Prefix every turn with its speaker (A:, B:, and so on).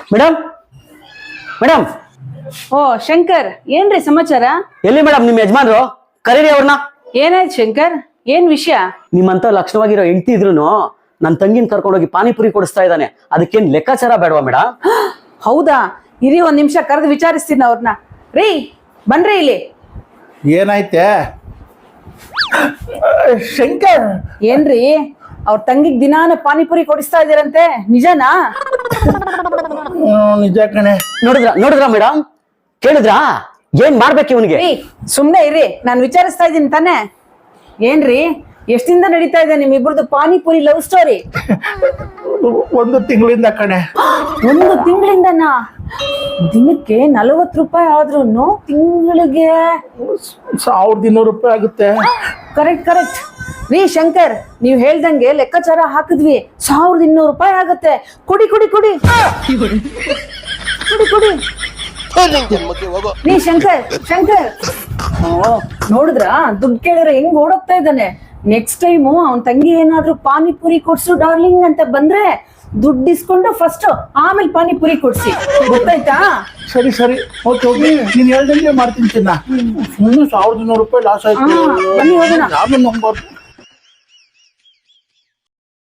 A: Madam madam
B: ಓ ಶಂಕರ್, ಏನ್ರಿ ಸಮಾಚಾರ?
A: ಎಲ್ಲಿ ಮೇಡಮ್ ನಿಮ್ ಯಜಮಾನ್ರು? ಕರೀರಿ ಅವ್ರನ್ನ.
B: ಏನಾಯ್ತು ಶಂಕರ್? ಏನ್ ವಿಷಯ?
A: ನಿಮ್ಮಂತ ಲಕ್ಷಣವಾಗಿರೋ ಹೆಂಡತಿ ಇದ್ರುನು ನನ್ ತಂಗಿನ ಕರ್ಕೊಂಡೋಗಿ ಪಾನಿಪುರಿ ಕೊಡಿಸ್ತಾ ಇದ್ದಾನೆ. ಅದಕ್ಕೇನ್ ಲೆಕ್ಕಾಚಾರ ಬೇಡವಾ ಮೇಡಮ್?
B: ಹೌದಾ? ಇರಿ ಒಂದ್ ನಿಮಿಷ ಕರೆದು ವಿಚಾರಿಸ್ತೀನಿ ಅವ್ರನ್ನ. ರೀ ಬನ್ರಿ ಇಲ್ಲಿ.
C: ಏನಾಯ್ತೆ ಶಂಕರ್?
B: ಏನ್ರಿ ಅವ್ರ ತಂಗಿಗ್ ದಿನಾನ ಪಾನಿಪುರಿ ಕೊಡಿಸ್ತಾ ಇದೀರಂತೆ, ನಿಜನಾ?
C: ನಿಜ ಕಣೆ.
A: ನೋಡಿದ್ರ ಮೇಡಮ್? ಕೇಳಿದ್ರಾ? ಏನ್ ಮಾಡ್ಬೇಕು ಇವನಿಗೆ?
B: ರೀ ಸುಮ್ನೆ ಇರಿ, ನಾನ್ ವಿಚಾರಿಸ್ತಾ ಇದೀನಿ ತಾನೆ. ಏನ್ರಿ ಎಷ್ಟಿಂದ ನಡೀತಾ ಇದೆ ನಿಮ್ಮಿಬ್ರದ್ದು ಪಾನಿಪುರಿ ಲವ್ ಸ್ಟೋರಿ?
C: 1 ತಿಂಗಳಿಂದ ಕಣೆ.
B: 1 ತಿಂಗಳಿಂದನಾ? ದಿನಕ್ಕೆ 40 ರೂಪಾಯಿ ಆದ್ರೂ ತಿಂಗಳಿಗೆ
C: 1200 ರೂಪಾಯಿ ಆಗುತ್ತೆ.
B: ಕರೆಕ್ಟ್. ರೀ ಶಂಕರ್, ನೀವ್ ಹೇಳ್ದಂಗೆ ಲೆಕ್ಕಾಚಾರ ಹಾಕಿದ್ವಿ. 1200 ರೂಪಾಯಿ ಆಗತ್ತೆ. ಕೊಡಿ ರೀ ಶಂಕರ್ ನೋಡಿದ್ರ ದುಡ್ಡು ಕೇಳಿದ್ರೆ ಹೆಂಗ್ ಓಡೋಗ್ತಾ ಇದ್ದಾನೆ. ನೆಕ್ಸ್ಟ್ ಟೈಮು ಅವನ್ ತಂಗಿ ಏನಾದ್ರೂ ಪಾನಿಪುರಿ ಕೊಡ್ಸು ಡಾರ್ಲಿಂಗ್ ಅಂತ ಬಂದ್ರೆ ದುಡ್ಡು ಇಸ್ಕೊಂಡು ಫಸ್ಟ್ ಆಮೇಲೆ ಪಾನಿಪುರಿ ಕೊಡ್ಸಿ, ಗೊತ್ತಾಯ್ತಾ?
C: ಸರಿ ಓಕೆ ನೀನ್ ಹೇಳ್ದಂಗೆ ಮಾಡ್ತೀನಿ ಚಿನ್ನ. ಸುಮ್ಮನೆ 1200 ರೂಪಾಯಿ ಲಾಸ್ ಆಯ್ತು.
B: ಬನ್ನಿ ಹೋಗೋಣ.
C: ಆಮೇಲೆ ನಂಬರ್